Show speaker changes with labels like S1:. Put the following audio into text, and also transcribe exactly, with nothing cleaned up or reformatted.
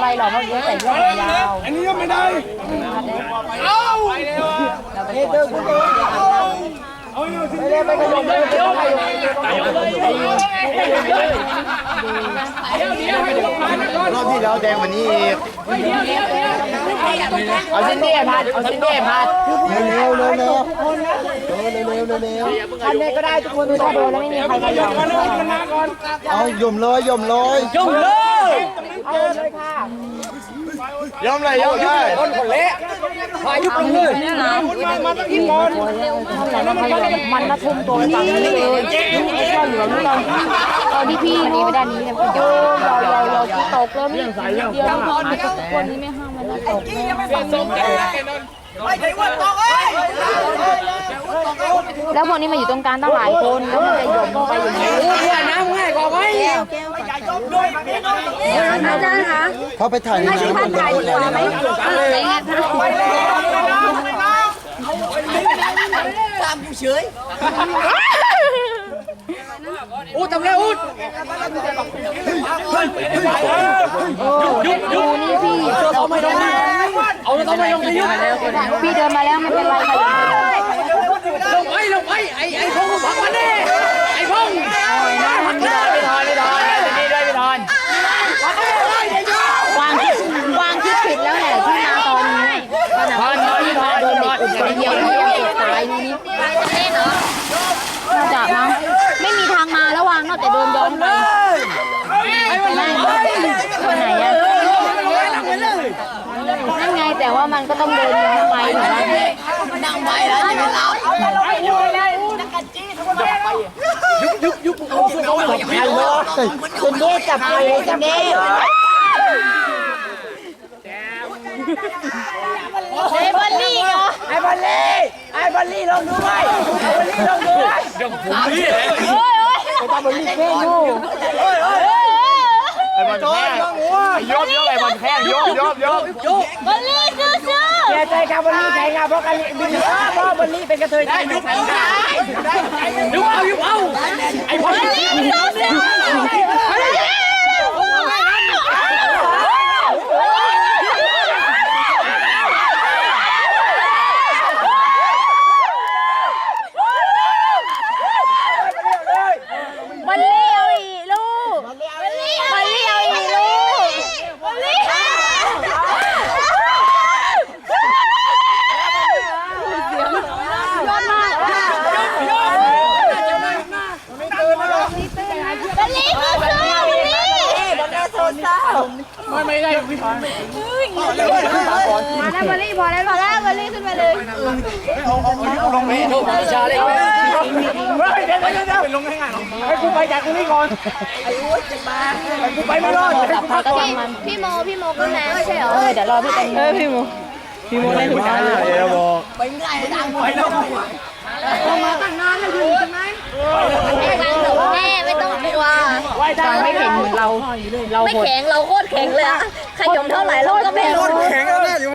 S1: ไรหรอกเพราะยุ้ยใส่เสื้อยาว
S2: อันนี้ก็ไม่ได้เอาเฮ้ยเดินกูเดินไม่ได้ไม่ขยมเลยไม่ขยมรอบที่แล้วแดงวันนี้อีกเอาชิ้นนี้พัดเอาชิ้นนี้พัดเร็วเร็วเร็วเร็วเร็วเร็วเร็วพันนี้ก็ได้ทุกคนถ้าโดนแล้วไม่มีใครขยมเอายมเลยยมเลยยมเลยเอาเลยค่ะยอมเลยยอมเลยคนคนเละพายุปเลยมันมาตั้งที่บอล
S1: มันมาทุ่มตัวฝั่งนี้เลยไม่ชอบเหลือนี่เราตอนที่พี่นี่ไปด้านนี้เนี่ยโยมเราเราเราตกแล้วนี่เดียวคนนี้ไม่ห้ามมันตกแล้วพวกนี้มาอยู่ตรงกลางตั้งหลายคนแล้วมันจะหย่อนไปอย่างนี้
S2: เพื่อนน้ำง่ายกว่าไหม
S1: อาจารย์คะ
S2: เขาไปถ่ายในน้ำ
S1: ท่านถ่ายดีกว่าไหมอะไรเงี้ย
S2: ตามกูเฉยอูดทำไรอูด
S1: ยุบยุบนี่พี่เราไม่ต้อง
S2: เอาเราต้องไม่ลงไปยุบ
S1: พี่เดินมาแล้วไม่เป็นไรค่ะ
S2: ลงไปลงไปไอ้ไอ้พงพักมาดิไอ้พงไม่ทอนไม่ทอนไม่ทอนนี่ด้วยไม่ทอน
S1: วางคิดวางคิดผิดแล้วแหละที่มาตอนนี้ตอนนั้นพี่มาโดนเด็กอุดคนเดียวที่ยังเด็กตายนี่นี่น่าจะมั้งไม่มีทางมาแล้ววางนอกแต่โดนย้อนไปนั่นคนไหนอะนั่นไงแต่ว่ามันก็ต้องเดินย้อนไปถูกไหมนั่งไปแล้วจะเรา
S2: ยุบยุบยุบโอ้โหคนเด็กจับไปจับเด็ก
S1: ไอ้บอลลี่เหรอ
S2: ไอ้บอลลี่ไอ้บอลลี่ลองดูไหมไอ้บอลลี่ลองดูยังผมนี่
S1: โอ้ยโอ้ยไอ้บอลลี่แค่ดูโอ้ยโอ้ย
S2: ไอ้บอลแข้งยกยกไอ้บอลแข้งยกยกยกยก
S1: บอลลี่ซื้อซื้อ
S2: แกใจกับบอลลี่แข่งอะเพราะกันบินเพราะบอลลี่เป็นกระเทยได้ยุบยุบเอายุบเอาไอ้บอลลี่
S1: ซื้อซื้อบอลลี่เอาอีลูกบอลลี่บอลลี่เอาอีลูกบอลลี่ยอดมากบอลลี่คือเสื้อบอลลี่บอลลี่โซนเศร้า
S2: ไม่ไม่ได้พี่ถอน
S1: มาแล้วบอลลี่พอแล้วพอแล้วบอลลี่ขึ้นมาเลย
S2: เอาเอาเอาลงไปดูชาเลยเดี๋ยวเดี๋ยวเดี๋ยวไปลงให้ง่ายให้กูไปจากตรงนี้ก่อนไอ้โอ๊ยจะมาให้กูไปไม่รอด
S1: พี่โมพี่โมก็แม่ไม่ใช่เหรอเดี๋ยวรอพี่เป็นเออพี่โมพี่โมได้ถึงการเลย
S2: เดี๋ยวบอก
S1: ไปง่ายดังไปแล้วมาตั้งนานแล้วอยู่ใช่ไหมแม่ไม่ต้องกลัวฟังไม่เห็นเหมือนเราเราไม่แข็งเราโคตรแข็งเลยอะขยมเท่าไหร่เราก็ไม่รู้
S2: แข็งแล้วเนี่ย